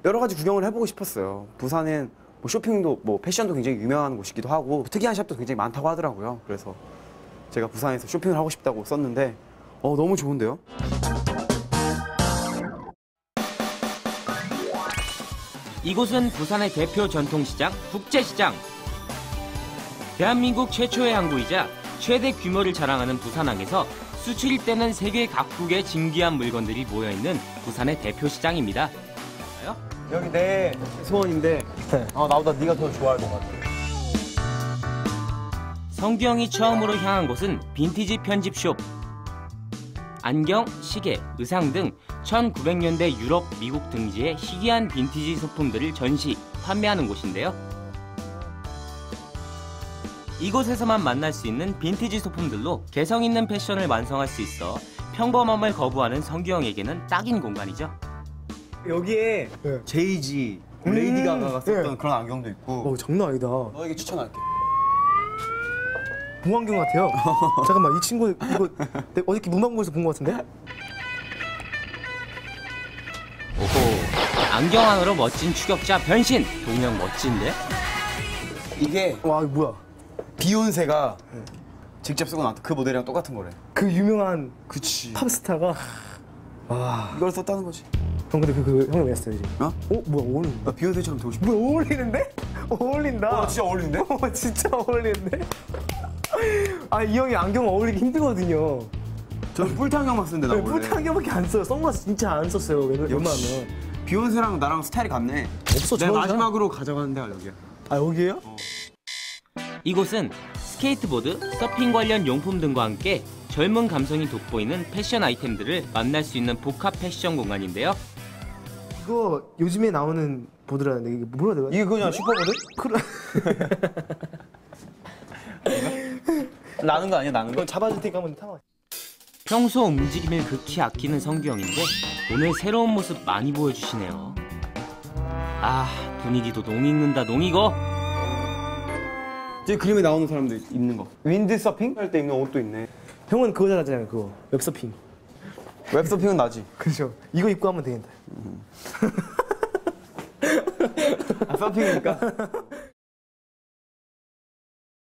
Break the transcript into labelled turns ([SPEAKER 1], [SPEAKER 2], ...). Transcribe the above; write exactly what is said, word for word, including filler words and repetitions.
[SPEAKER 1] 여러 가지 구경을 해보고 싶었어요. 부산은 뭐 쇼핑도 뭐 패션도 굉장히 유명한 곳이기도 하고 특이한 샵도 굉장히 많다고 하더라고요. 그래서 제가 부산에서 쇼핑을 하고 싶다고 썼는데 어, 너무 좋은데요?
[SPEAKER 2] 이곳은 부산의 대표 전통시장 국제시장. 대한민국 최초의 항구이자 최대 규모를 자랑하는 부산항에서 수출입 되는 세계 각국의 진귀한 물건들이 모여있는 부산의 대표 시장입니다.
[SPEAKER 1] 여기 내 소원인데 어, 나보다 네가 더 좋아할 것 같아.
[SPEAKER 2] 성규형이 처음으로 향한 곳은 빈티지 편집숍. 안경, 시계, 의상 등 천구백 년대 유럽, 미국 등지의 희귀한 빈티지 소품들을 전시, 판매하는 곳인데요. 이곳에서만 만날 수 있는 빈티지 소품들로 개성 있는 패션을 완성할 수 있어 평범함을 거부하는 성규형에게는 딱인 공간이죠.
[SPEAKER 1] 여기에
[SPEAKER 3] 네.
[SPEAKER 1] 제이지,
[SPEAKER 3] 음,
[SPEAKER 1] 레이디 가가가 썼던
[SPEAKER 3] 네.
[SPEAKER 1] 그런 안경도 있고
[SPEAKER 3] 어, 장난 아니다.
[SPEAKER 1] 너에게 추천할게.
[SPEAKER 3] 봉안경 같아요. 잠깐만, 이 친구 이거 내가 어저께 문방구에서 본 것 같은데?
[SPEAKER 2] 오호, 안경 안으로 멋진 추격자 변신! 동영 멋진데?
[SPEAKER 1] 이게
[SPEAKER 3] 와, 이거 뭐야?
[SPEAKER 1] 비욘세가 직접 쓰고 나왔던 그 모델이랑 똑같은 거래.
[SPEAKER 3] 그 유명한
[SPEAKER 1] 그치.
[SPEAKER 3] 팝스타가. 와.
[SPEAKER 1] 이걸 썼다는 거지.
[SPEAKER 3] 형 근데 그, 그 형이 왜 했어요 지금?
[SPEAKER 1] 어?
[SPEAKER 3] 어? 뭐야 어울린다.
[SPEAKER 1] 나 비욘세처럼 되고 싶어.
[SPEAKER 3] 뭐야 어울리는데? 어울린다.
[SPEAKER 1] 어, 진짜 어울리는데?
[SPEAKER 3] 어, 진짜 어울리는데? 아, 이 형이 안경 어울리기 힘들거든요.
[SPEAKER 1] 저는 뿔테 안경만 쓰는데 나
[SPEAKER 3] 네,
[SPEAKER 1] 원래.
[SPEAKER 3] 뿔테 안경밖에 안 써요. 선글라스 진짜 안 썼어요. 웬-
[SPEAKER 1] 역시.
[SPEAKER 3] 웬만하면.
[SPEAKER 1] 비욘세랑 나랑 스타일이 같네.
[SPEAKER 3] 없어,
[SPEAKER 1] 내가
[SPEAKER 3] 저거야.
[SPEAKER 1] 마지막으로 가져가는 데가 여기야.
[SPEAKER 3] 아, 여기에요?
[SPEAKER 2] 이곳은 스케이트보드, 서핑 관련 용품 등과 함께 젊은 감성이 돋보이는 패션 아이템들을 만날 수 있는 복합 패션 공간인데요.
[SPEAKER 3] 이거 요즘에 나오는 보드라는데 이게 뭐라 해야 되나?
[SPEAKER 1] 이게 그냥 슈퍼보드?
[SPEAKER 3] 그래.
[SPEAKER 1] 나는 거 아니야, 나는 거?
[SPEAKER 3] 이거 잡아줄 테니까 한번 타봐.
[SPEAKER 2] 평소 움직임을 극히 아끼는 성규형인데 오늘 새로운 모습 많이 보여주시네요. 아, 분위기도 농익는다 농익어.
[SPEAKER 1] 제 그림에 나오는 사람들 입는 거. 윈드 서핑 할 때 입는 옷도 있네.
[SPEAKER 3] 형은 그거 잘하잖아요. 그거 웹서핑.
[SPEAKER 1] 웹서핑은 나지.
[SPEAKER 3] 그렇죠. 이거 입고 하면 되겠다.
[SPEAKER 1] 아, 서핑이니까.